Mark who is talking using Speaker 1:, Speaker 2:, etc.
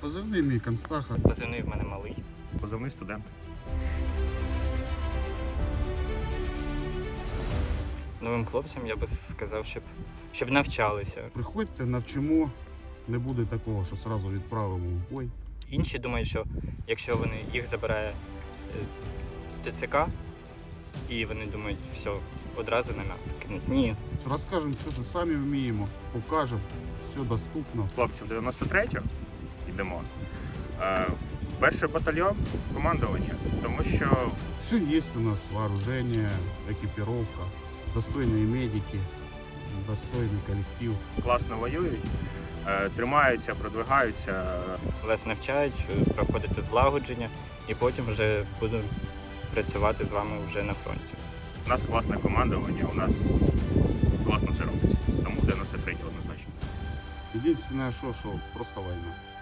Speaker 1: Позивний мій Констаха.
Speaker 2: Позивний в мене малий.
Speaker 3: Позивний студент.
Speaker 2: Новим хлопцям я би сказав, щоб навчалися.
Speaker 1: Приходьте, навчимо. Не буде такого, що одразу відправимо в бой.
Speaker 2: Інші думають, що якщо їх забирає ТЦК, і вони думають, все, одразу на м'ясо кинуть. Ні.
Speaker 1: Розкажемо все, що самі вміємо, покажемо, все доступно.
Speaker 3: Хлопці в 93-ю йдемо. В перший батальйон командування, тому що
Speaker 1: Все є у нас, вооруження, екіпіровка, достойні медики, достойний колектив.
Speaker 3: класно воюють, тримаються, продвигаються.
Speaker 2: Вас навчають проходити злагодження, і потім вже буду працювати з вами вже на фронті.
Speaker 3: У нас класне командування, у нас класно все робиться. Тому 93-й однозначно.
Speaker 1: Єдине, що просто війна.